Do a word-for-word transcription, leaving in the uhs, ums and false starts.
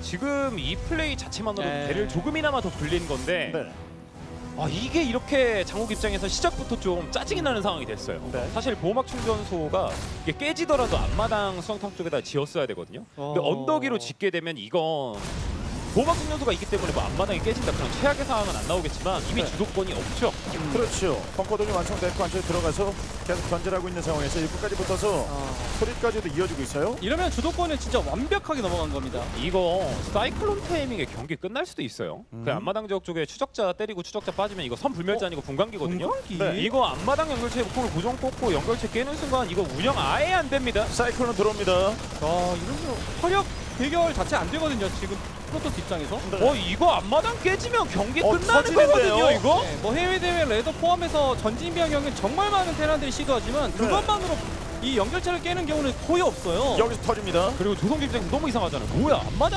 지금 이 플레이 자체만으로 네. 배를 조금이나마 더 불린 건데 네. 아, 이게 이렇게 장욱 입장에서 시작부터 좀 짜증이 나는 상황이 됐어요. 네. 사실 보호막 충전소가 이게 깨지더라도 앞마당 수영탑 쪽에다 지었어야 되거든요. 근데 어. 언덕 위로 짓게 되면 이건 보호막 충전소가 있기 때문에 뭐 앞마당이 깨진다 그런 최악의 상황은 안 나오겠지만 이미 네. 주도권이 없죠. 그렇죠. 벙커동이 완성됐고 안쪽에 들어가서 계속 견제하고 있는 상황에서 일부까지 붙어서 어. 소리까지도 이어지고 있어요. 이러면 주도권은 진짜 완벽하게 넘어간 겁니다. 이거 사이클론 타이밍에 경기 끝날 수도 있어요. 음. 그 앞마당 지역 쪽에 추적자 때리고 추적자 빠지면 이거 선 불멸자 아니고 분광기거든요. 분광기? 네. 이거 앞마당 연결체 폭을 고정 꽂고 연결체 깨는 순간 이거 운영 아예 안 됩니다. 사이클론 들어옵니다. 아 이러면 화력 대결 자체 안 되거든요. 지금 프로토스 입장에서. 네. 어 이거 앞마당 깨지면 경기 어, 끝나는 터지는데요? 거거든요 이거? 네, 뭐 해외 대회 레더 포함해서 전진 변경은 정말 많은 테란들이 시도하지만 네. 그것만으로 이 연결체를 깨는 경우는 거의 없어요. 여기서 터집니다. 그리고 조성기 입장에서 너무 이상하잖아요. 뭐야 앞마당